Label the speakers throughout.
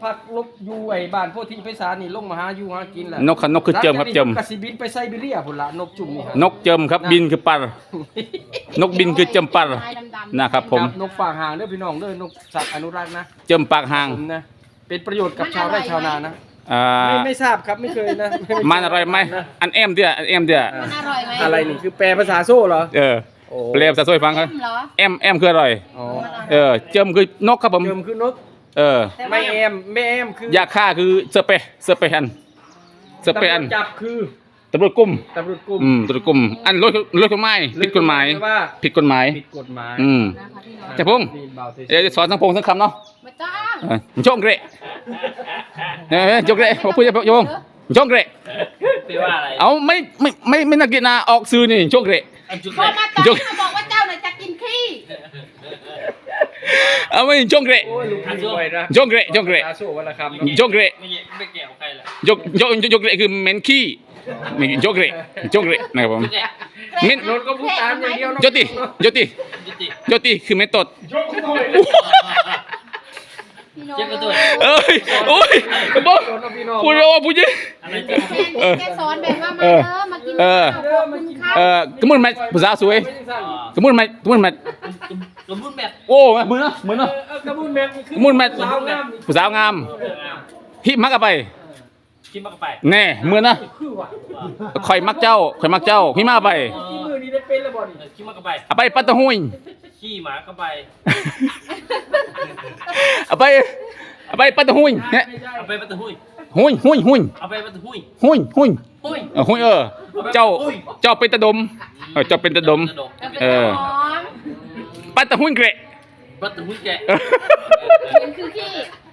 Speaker 1: พักลบอยู่ไอ้บ้านโพธิไพศาลนี่ลงมาหาอยู่หากินแหละ
Speaker 2: นกนกคือเจิมครับเจิม
Speaker 1: กสิบินไปไซบีเรียพุ่นละนกจุ่มนี่ฮะ
Speaker 2: นกเจิมครับบินคือปัรนกบินคือเจิมปัรนะครับผม
Speaker 1: นกฝากหางเด้อพี่น้องเด้อนกสัตว์อนุรักษ์นะ
Speaker 2: เจิมปากหาง
Speaker 1: ผมนะเป็นประโยชน์กับชาวไร่ชาวนานะ
Speaker 2: อ่า
Speaker 1: ไม่ทราบครับไม่เคยนะ
Speaker 2: มันอร่อยไหมอันเอ็มเดียอันเอ็มเดีย
Speaker 3: มันอร่อยไหม
Speaker 1: อะไรนี่คือแปลภาษาโซ่เหรอ โอ้
Speaker 2: เปลวสะสวยฟังครับ
Speaker 3: เหรอ
Speaker 2: เอ็มคืออร่อย
Speaker 1: อ๋อ
Speaker 2: เจิมคือนกครับผม
Speaker 1: เจิมคือนก ไม่แอมไม่แอมคือย
Speaker 2: าฆ่าคือเสเปอันเสเปอัน
Speaker 1: ตำรวจจับคือ
Speaker 2: ตำรวจกุม
Speaker 1: ตำรวจกลุ่ม
Speaker 2: ตำรวจกุมอันรถกฎหมายผิดกฎหมาย
Speaker 1: ว่า
Speaker 2: ผิดกฎหมาย
Speaker 1: ผิดกฎหมาย
Speaker 3: นะคะพี่น้อง
Speaker 2: จะพงษ์
Speaker 1: นี่เบาเฉย
Speaker 2: เดี๋ยวจะสอนทั้งพงทั้งคำเนาะ
Speaker 3: มาจ้า
Speaker 2: โจงเกระโจงเกระผมพูดจะโยงโจงเกระ
Speaker 4: แปลว่าอะไร
Speaker 2: เอาไม่นักกีฬาออกซื้อนี่โจงเกระ
Speaker 4: ไอ้จุด
Speaker 3: พอมาตอนมาบอกว่าเจ้าน่ะจะกินขี้
Speaker 2: เอาไม่โจงเกระ
Speaker 1: โอ้ยลุงพี่ไว้นะ
Speaker 2: โจงเกระโจงเกระ
Speaker 1: ตาโซ่วันละคำ
Speaker 2: โจงเกระ
Speaker 4: ไม่เกี่ยวกับใครล่ะ
Speaker 2: โจงเกระคือเมนขี้โจงเกระนะครับผม
Speaker 4: จุดแรก
Speaker 2: เมน
Speaker 1: รถก็พูดตามอย่างเดียว
Speaker 2: โจติ
Speaker 4: จุติ
Speaker 2: คือเมนตด
Speaker 3: พี่น้อง
Speaker 4: เจ็บกระตุ้น
Speaker 2: เอ้ยโอ้ยบอกพูดเลยว่าพูดยิ
Speaker 4: อะไรเจ็บ
Speaker 3: แกสอนแบบว่ามากินข้าวขอบคุณค่ะ
Speaker 2: กระมุนไหมภาษาสวยกระมุนไหม
Speaker 4: สมบูรณ์แบบ
Speaker 2: โอ้มือเนาะ
Speaker 1: กระมุนแมท
Speaker 2: กระมุนไหม
Speaker 1: สาวงาม
Speaker 2: ภาษางามฮิมักเอาไป
Speaker 4: คิดมากไป
Speaker 2: แน่มือนะ
Speaker 1: คือว่ะ
Speaker 2: ข่อยมักเจ้าฮิมาไป
Speaker 1: ที่มือนี้ได้เป็นแล้วบ่นี่
Speaker 4: คิดมากไป
Speaker 2: เอาไปปัตตะหุย
Speaker 4: ขี้หมาก็ไป
Speaker 2: เอาไปปัตตะหุยเนี่ย
Speaker 4: เอาไปประตูหุย
Speaker 2: หุย
Speaker 4: เอาไปประตูหุย
Speaker 2: หุย
Speaker 4: หุย
Speaker 2: หุยเจ้าเป็นตะดมเจ้าเป็นตะดม
Speaker 3: หอม
Speaker 2: ปัตตะหุยเกระ
Speaker 4: ประตูหุยแกะ
Speaker 3: มันคือขี้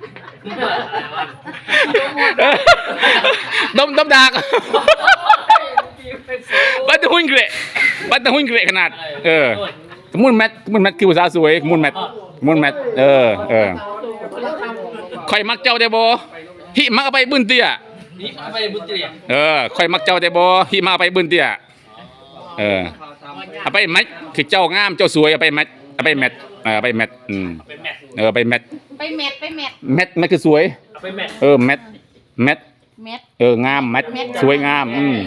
Speaker 2: ดมดากปัตตะหุยเกระขนาดมุนแมทคือภาษาสวยมุนแมทข่อยมักเจ้าได้บ่ฮิมักเอาไปบึ้นเตี้ย
Speaker 4: นี่เอาไปบุญเตีย
Speaker 2: ข่อยมักเจ้าได้บ่ฮิมาเอาไปบึ้นเตี้ยเอาไปแมทคือเจ้างามเจ้าสวยเอาไปแมทเอาไปแมท
Speaker 4: ไปแมท
Speaker 2: ไปแมท
Speaker 3: ไปแมท
Speaker 2: แมทคือสวย
Speaker 4: เอาไปแมท
Speaker 2: แมท
Speaker 3: แมท
Speaker 2: งามแมทสวยงาม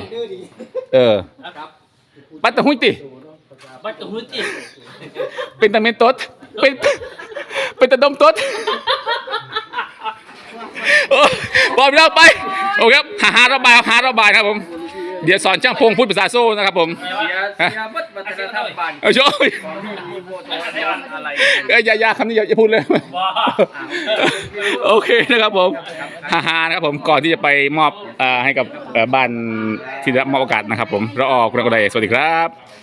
Speaker 2: ปัตตะหุยติ
Speaker 4: ประตูหุยติ
Speaker 2: เป็นตะเมนตดเป็นตะดมตดบอกเราไปโอเคครับหาระบายครับผมเดี๋ยวสอนช่างพงพูดภาษาโซ่นะครับผม
Speaker 1: เสียบัดวัฒนธรรมบ้าน
Speaker 2: โชว์
Speaker 1: มีโบทอะไร
Speaker 2: อย่าคำนี้อย่าพูดเลย
Speaker 4: ว้า
Speaker 2: โอเคนะครับผมนะครับผมก่อนที่จะไปมอบให้กับบ้านที่ได้มอบโอกาสนะครับผมรอคุณกระไดสวัสดีครับ